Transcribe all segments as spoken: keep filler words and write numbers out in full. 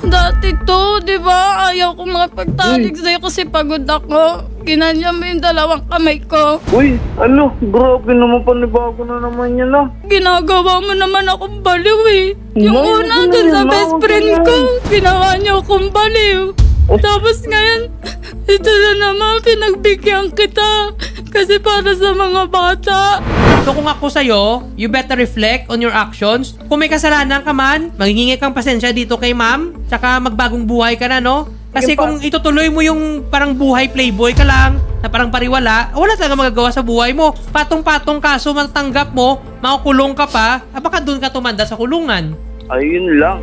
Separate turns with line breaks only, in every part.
Dati to, di ba? Ayaw ko makapagtalik sa'yo kasi pagod ako. Ginanya mo yung dalawang kamay ko.
Uy, ano? Grabe naman, panibago na naman yan ah.
Ginagawa mo naman akong baliw eh. Yung
Nay,
una
ano
dun sa
yan?
best
Huwag
friend
yan.
ko, ginawa niyo akong baliw. Tapos ngayon, ito na naman, pinagbigyan kita. Kasi para sa mga bata.
So kung ako sa'yo, you better reflect on your actions. Kung may kasalanan ka man, maghihingi kang pasensya dito kay ma'am. Tsaka magbagong buhay ka na, no? Kasi kung itutuloy mo yung parang buhay playboy ka lang, na parang pariwala, wala talaga magagawa sa buhay mo. Patong-patong kaso matanggap mo, makukulong ka pa, ah, baka doon ka tumanda sa kulungan.
Ayun lang.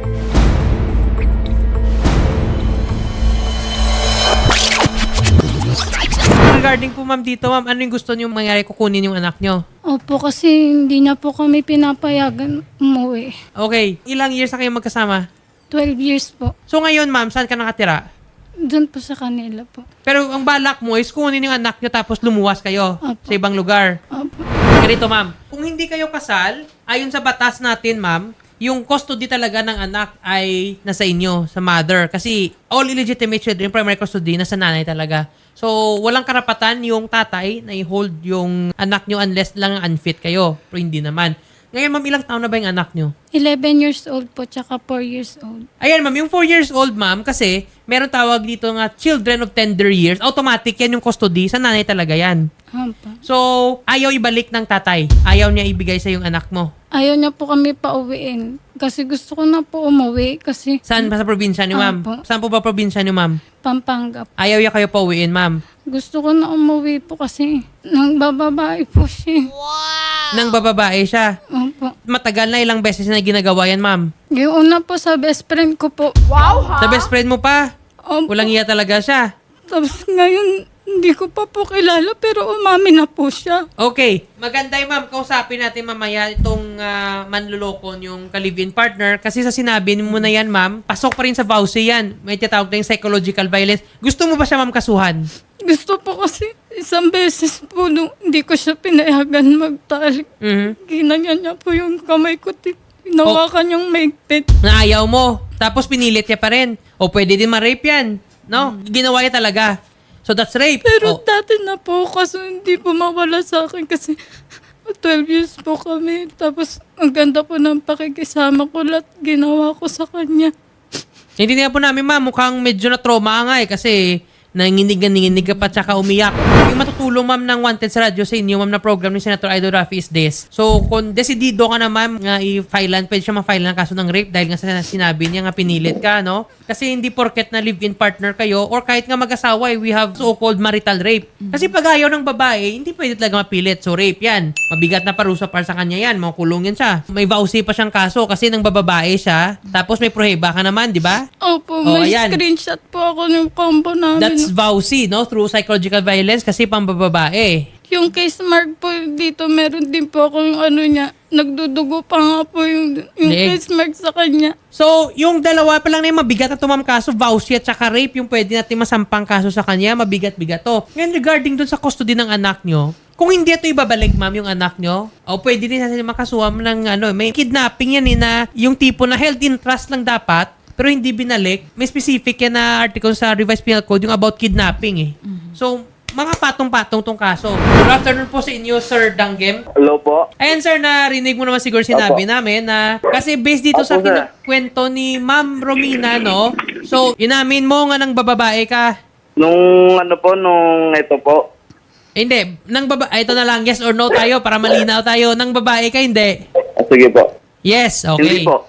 Regarding po ma'am dito, ma'am, ano yung gusto niyo mangyari kukunin yung anak niyo?
Opo, kasi hindi na po kami pinapayagan umuwi.
Okay, ilang years na kayo magkasama?
twelve years po.
So ngayon ma'am, saan ka nakatira?
Doon po sa kanila po.
Pero ang balak mo is kunin yung anak niyo tapos lumuwas kayo
Opo.
sa ibang lugar.
Opo.
Ganito ma'am, kung hindi kayo kasal, ayon sa batas natin ma'am, yung custody talaga ng anak ay nasa inyo, sa mother. Kasi all illegitimate children, primary custody, nasa nanay talaga. So, walang karapatan yung tatay na i-hold yung anak nyo unless lang unfit kayo. Pero hindi naman. Ngayon ma'am, ilang taon na ba yung anak nyo?
eleven years old po, tsaka four years old.
Ayan ma'am, yung four years old ma'am, kasi meron tawag dito nga children of tender years. Automatic yan yung custody, sa nanay talaga yan.
Opo.
So, ayaw ibalik ng tatay. Ayaw niya ibigay sa yung anak mo.
Ayaw niya po kami pauwiin. Kasi gusto ko na po umuwi kasi
Saan ba sa probinsya ni ma'am?
Opo.
Saan po ba probinsya ni ma'am?
Pampanga.
Ayaw niya kayo pauwiin, ma'am.
Gusto ko na umuwi po kasi nang bababae po siya.
Nang bababae siya.
Opo.
Matagal na ilang beses na ginagawa yan, ma'am.
Yung una po sa best friend ko po.
Sa best friend mo pa.
Opo.
Walang iya talaga siya.
Tapos ngayon, hindi ko pa po kilala pero umami na po siya.
Okay. Maganda yung ma'am. Kausapin natin mamaya itong uh, manlulokon yung ka-live-in partner. Kasi sa sinabi mo na yan, ma'am, pasok pa rin sa vowsy yan. May tinatawag na yung psychological violence. Gusto mo ba siya, ma'am, kasuhan?
Gusto po kasi isang beses po nung hindi ko siya pinayagan magtalik.
Mhm.
Ginanya niya po yung kamay ko. Hinawakan yung maigpit.
Na ayaw mo. Tapos pinilit niya pa rin. O pwede din ma-rape yan. No? Ginawa niya talaga. So that's rape.
Pero
O,
dati na po kaso hindi po mawala sa akin kasi twelve years po kami. Tapos ang ganda po ng pakikisama ko lahat ginawa ko sa kanya.
hindi nga po namin, ma'am. Mukhang medyo na trauma nga eh. Kasi nanginig-nanginig ka pa tsaka umiyak. Yung matutulong, ma'am, ng Wanted sa radyo sa inyo, ma'am, na program ni Senator Idol Rafi is this. So, kung desidido ka na, ma'am, nga i-filean, pwede siya ma-file ng kaso ng rape dahil nga sa sinabi niya nga pinilit ka, no? Kasi hindi porket na live-in partner kayo or kahit nga mag-asawa, eh, we have so-called marital rape. Kasi pag ayaw ng babae, hindi pwede talaga mapilit. So, rape yan. Mabigat na parusa para sa kanya yan. Makukulong yan siya. May vowsy pa siyang kaso kasi nang bababae siya. Tapos may proheba ka naman, di ba?
Opo,
Oh,
may
ayan.
screenshot po ako ng combo namin.
That's vowsy, no? Through psychological violence kasi pambababae.
Yung case mark po dito, meron din po ako yung ano niya. Nagdudugo pa nga po yung, yung
Leeg.
case mark sa kanya.
So, yung dalawa pa lang na yung mabigat na tumam kaso, vowsy at saka rape, yung pwede natin masampang kaso sa kanya, mabigat-bigat to. Ngayon, regarding dun sa custody ng anak nyo, kung hindi ito ibabalik, ma'am, yung anak nyo, o pwede din natin makasuhan ng ano, may kidnapping yan eh, na yung tipo na held in trust lang dapat, pero hindi binalik. May specific yan na article sa Revised Penal Code yung about kidnapping eh. So, mga patong-patong tong kaso. Good afternoon po sa inyo, Sir Danggem.
Hello po.
Ayan, sir, narinig mo naman siguro sinabi
Opo.
namin na kasi based dito sa
Opo, sir.
kwento ni Ma'am Romina, no? So, inamin mo nga ng bababae ka.
Nung ano po, nung ito po.
Eh, hindi, nang baba ay, ito na lang, yes or no tayo para malinaw tayo. Nang babae ka, hindi.
Ah, sige po.
Yes, okay.
Hindi po.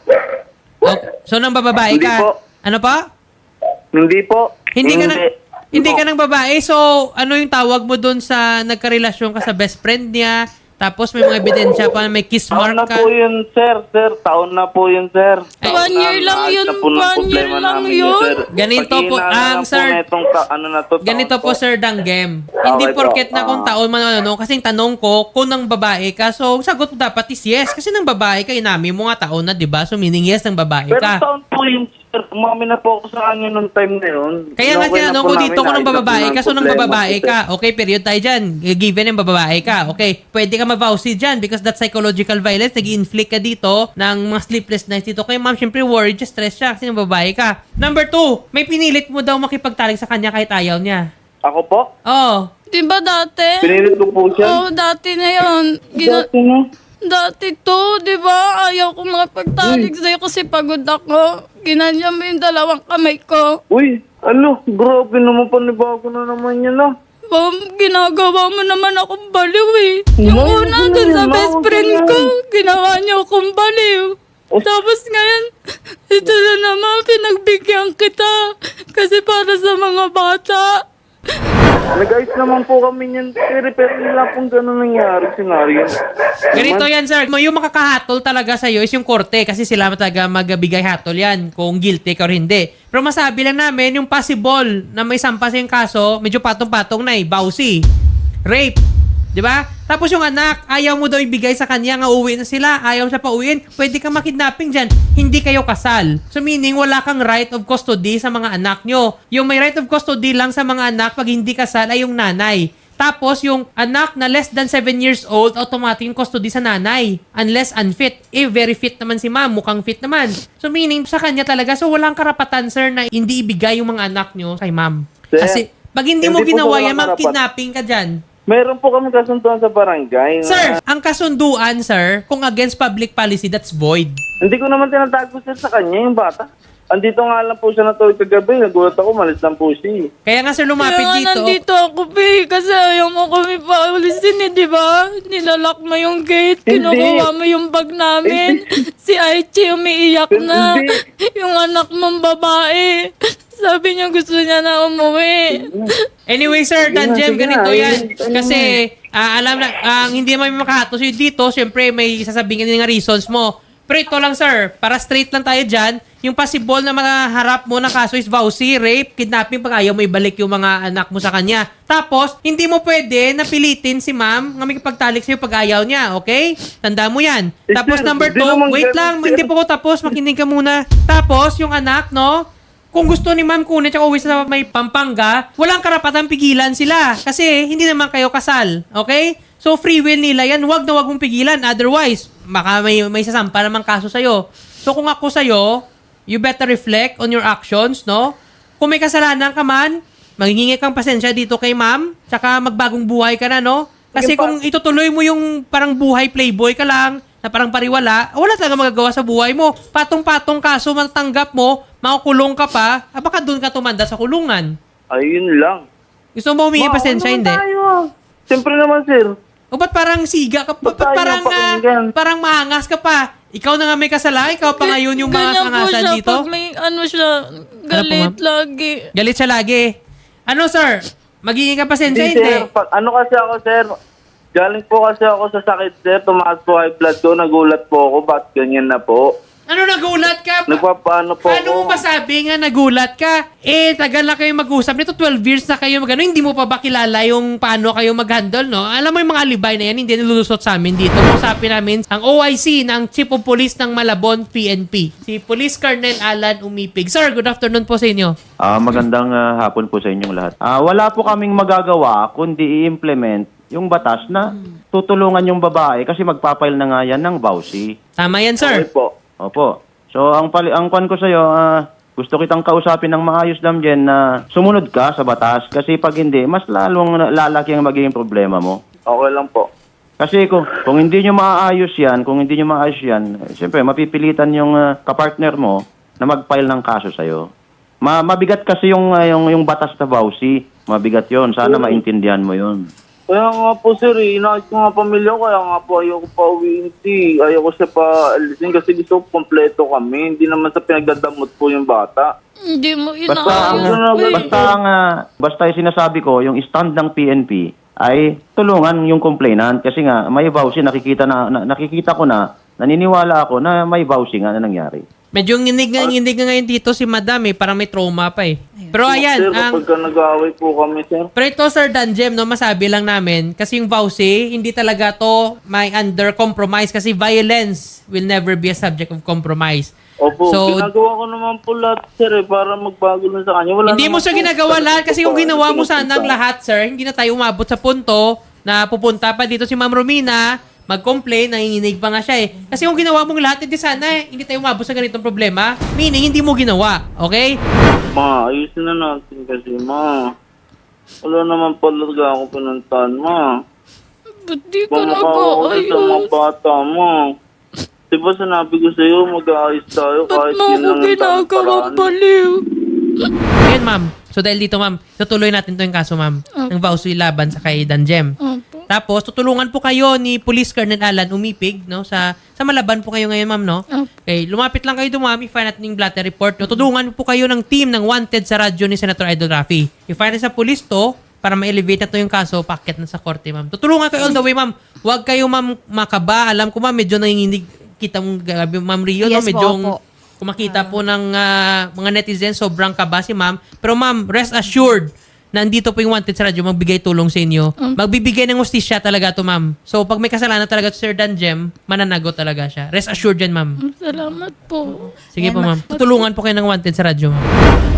Okay. So, nang bababae
Hindi
ka.
po.
Ano pa?
Hindi po.
Hindi ka nang hindi
po.
ka nang babae. So, ano yung tawag mo doon sa nagkarelasyon ka sa best friend niya? Tapos may mga ebidensya pa na may kiss
Taon na
mark ka.
po yun, sir. Sir, taon na po yun, sir.
Ay,
One year lang yun,
Naayos na po ng
one year
problema
lang
namin
yun.
sir.
Ganito po,
Pag-iinala
ang
lang po
sir-
na itong ta- ano na to, taon
Ganito po, Sir Danggem. Hindi
Okay po.
porket na kung
Ah.
taon man ano, kasi yung tanong ko, kung nang babae ka, so sagot mo dapat is yes. Kasi nang babae ka, inami mo nga taon na, di ba? So meaning yes, nang babae
Pero
ka.
taon po yun, Sir, umami na po ako sa kanya nung time na yun.
Kaya nga
Okay na
tinanong
po
ko
namin,
dito kung nang
naayos na po
bababae
ng
ka, so nang
problema
bababae
ko, sir.
ka. Okay, period tayo dyan. Given yung bababae ka. Okay, pwede ka ma-vowsy dyan because that's psychological violence. Nag-inflict ka dito ng mga sleepless nights dito. Kaya ma'am, syempre worried, just stress siya kasi nang babae ka. Number two, may pinilit mo daw makipagtalik sa kanya kahit ayaw niya.
Ako po?
Oh,
Di ba dati?
Pinilit ko po siya.
Oo, dati na yun. Gina-
Dati na.
Dati to, di ba? Ayaw ko makipagtalik sa'yo kasi pagod ako. Ginanya mo yung dalawang kamay ko.
Uy, ano? Grabe naman, panibago na naman yan ah.
Bam, ginagawa mo naman akong baliw eh. Yung
Ma'am,
una
huwag
dun
ganyan,
sa
ma'am,
best
huwag
friend
ganyan.
ko, ginawa niyo akong baliw. Tapos ngayon, ito na naman, pinagbigyan kita. Kasi para sa mga bata.
Nag-ayos naman po kami niyan. Pero pero nila pong gano'n nangyari. Senaryo.
ganito yan, sir. Yung makakahatol talaga sa'yo is yung korte kasi sila talaga magbigay hatol yan kung guilty ka or hindi. Pero masabi lang namin, yung possible na may sampa sa yung kaso, medyo patong-patong na eh. Bawsi. Rape. Di ba? Tapos yung anak, ayaw mo daw ibigay sa kanya, nga uwi na sila, ayaw siya pa uwiin, pwede kang makidnapping dyan. Hindi kayo kasal. So meaning, wala kang right of custody sa mga anak nyo. Yung may right of custody lang sa mga anak pag hindi kasal ay yung nanay. Tapos yung anak na less than seven years old, automatic yung custody sa nanay. Unless unfit. Eh, very fit naman si ma'am. Mukhang fit naman. So meaning, sa kanya talaga. So walang karapatan, sir, na hindi ibigay yung mga anak nyo kay ma'am.
Sir,
Kasi pag hindi mo
hindi po
ginawa
walang
yan, ma'am,
karapat-
kidnapping ka dyan.
Meron po kami kasunduan sa barangay. na-
Sir, ang kasunduan, sir, kung against public policy, that's void.
Hindi ko naman tinatago sir sa kanya yung bata. Andito nga lang po siya natulog kagabi. Nagulat ako, malis lang po siya. eh.
Kaya nga, sir, lumapit
Kaya nga
dito.
nandito ako, Pi. Kasi ayaw mo kami paulisin eh, di ba? Nilalak mo yung gate,
Hindi.
kinukuha mo yung bag namin. Si Aichi umiiyak na.
Hindi.
Yung anak mong babae. Sabi niya gusto niya na umuwi.
Anyway, sir,
Sige na,
Danjem,
sige
ganito
na.
yan.
Ayun, ayun
Kasi, ah, alam na, ang hindi mo makahatos yun dito, syempre, may sasabihin ka din ng reasons mo. Pero ito lang, sir, para straight lang tayo dyan, yung possible na maharap mo na kaso is vowsy, rape, kidnapping, pag ayaw mo ibalik yung mga anak mo sa kanya. Tapos, hindi mo pwede napilitin si ma'am na may kapagtalik sa'yo pag ayaw niya, okay? Tanda mo yan.
Eh,
Tapos,
sir,
number
hindi
two,
naman
wait
ganun,
lang,
sir.
hindi po ko tapos, makinig ka muna. Tapos, yung anak, no? Kung gusto ni ma'am kunin tsaka uwi sa may Pampanga, walang karapatang pigilan sila. Kasi hindi naman kayo kasal. Okay? So free will nila yan. Huwag na huwag mong pigilan. Otherwise, baka may, may sasampa namang kaso sa'yo. So kung ako sa'yo, you better reflect on your actions, no? Kung may kasalanan ka man, maghingi kang pasensya dito kay ma'am, tsaka magbagong buhay ka na, no? Kasi kung itutuloy mo yung parang buhay playboy ka lang, na parang pariwala, wala talaga magagawa sa buhay mo. Patong-patong kaso, matanggap mo, makukulong ka pa, ah, baka doon ka tumanda sa kulungan.
Ayun lang.
Gusto mo humingi
Ma,
pasensya,
ano
hindi?
tayo, ah? Siyempre naman sir.
O ba't parang siga ka pa?
Ba't
Ba't
tayo
parang, ah,
napakinggan?
parang maangas ka pa? Ikaw na nga may kasalanan, ikaw pa ngayon yung mga
Ganyan po
angasan
siya
dito?
pag may ano siya, galit lagi.
Galit siya lagi. Ano, sir? Magiging ka pasensya,
Hindi,
hindi?
sir. Pag, ano kasi ako sir, galing po kasi ako sa sakit sir, tumaas po high blood ko, nagulat po ako, ba't ganyan na po?
Ano, nagulat ka?
Nagpapaano po
Paano mo
ako?
masabi nga nagulat ka? Eh, tagal na kayo mag-usap. Nito twelve years na kayo mag-ano. Hindi mo pa ba kilala yung paano kayo mag-handle, no? Alam mo yung mga alibay na yan, hindi nilulusot sa amin dito. Usapin namin ang O I C ng Chief of Police ng Malabon, P N P. Si Police Colonel Alan Umipig. Sir, good afternoon po sa inyo.
Ah, magandang ah, hapon po sa inyong lahat. Ah, wala po kaming magagawa kundi i-implement yung batas na tutulungan yung babae kasi magpapail na nga yan ng vowsy.
Tama yan,
Okay
sir.
po.
Opo. So, ang pali ang kwan ko sa iyo, gusto kitang kausapin ng maayos damjen na sumunod ka sa batas kasi pag hindi, mas lalong lalaki ang magiging problema mo.
Okay lang po.
Kasi kung, kung hindi nyo maayos yan, kung hindi nyo maayos yan, eh, siyempre mapipilitan yung ah, kapartner mo na mag-file ng kaso sa'yo. Ma mabigat kasi yung, ah, yung, yung batas na vowsy. Mabigat yon. Sana maintindihan mo yon.
Kaya nga po sir, eh, inaayos ko nga pamilya ko, kaya nga po ayaw ko pa uwiin si. Ayaw ko siya pa alisin kasi gusto ko kompleto kami. Hindi naman sa pinagdadamot po yung bata.
Hindi mo
Basta ang,
inaayos. Pi.
basta ang, ah, basta yung sinasabi ko, yung stand ng P N P ay tulungan yung complainant kasi nga may vowsy, nakikita na, na nakikita ko na, naniniwala ako na may vowsy nga na nangyari.
Medyo nginig nga, nginig nga ngayon dito si Madam eh. Parang may trauma pa eh. Pero ayan,
Sir,
ang...
kapag ka nag-aaway po kami sir.
Pero ito, Sir Danjem, no, masabi lang namin, kasi yung vowsy, hindi talaga to may under compromise kasi violence will never be a subject of compromise.
Opo,
So,
ginagawa ko naman po lahat, sir, eh, para magbago na sa kanya. Wala
hindi mo
naman
siya
po
ginagawa
talaga
lahat kasi
po
kung
pa-
ginawa mo
pinupunta.
sana ang lahat, sir, hindi na tayo umabot sa punto na pupunta pa dito si Ma'am Romina, mag-complain, nanginginig pa nga siya eh. Kasi kung ginawa mong lahat, hindi sana eh, hindi tayo umabot sa ganitong problema. Meaning, hindi mo ginawa. Okay?
Ma, ayusin na natin kasi, ma. Wala naman pala talaga ako pinuntahan, ma.
Ba't di ka
Bumukha ako sa mga
nag-aayos?
bata mo. Diba sinabi ko sa'yo, mag-aayos tayo
Ba't
kahit
mo
yun
ako
lang ang tamang
ginagawang
paraan.
baliw?
Ayan, ma'am. So, dahil dito, ma'am, tutuloy natin to yung kaso, ma'am. Ng Vauci laban sa kay Danjem.
Opo.
Tapos, tutulungan po kayo ni Police Colonel Alan Umipig, no? Sa sa Malaban po kayo ngayon, ma'am, no?
Opo.
Okay, lumapit lang kayo doon, ma'am. I-file natin yung blatter report. No? Tutulungan po kayo ng team ng Wanted sa radyo ni Senator Idol Rafi. I-file sa police to para ma-elevate na to yung kaso, packet na sa korte, ma'am. Tutulungan kayo all the way, ma'am. Huwag kayo, ma'am, makaba. Alam ko, ma'am, medyo nanginginig kita mong gabi, ma'am Rio, no?
Yes po,
Medyo
opo.
kumakita po ng ah, mga netizens, sobrang kaba si ma'am. Pero ma'am, rest assured, nandito po yung Wanted sa radyo, magbigay tulong sa inyo. Magbibigay ng hustisya talaga to, ma'am. So, pag may kasalanan talaga to Sir Danjem, mananagot talaga siya. Rest assured yan, ma'am.
Salamat po.
Sige
Yan,
po,
ma-
ma'am. Tutulungan po kayo ng Wanted sa radyo, ma'am.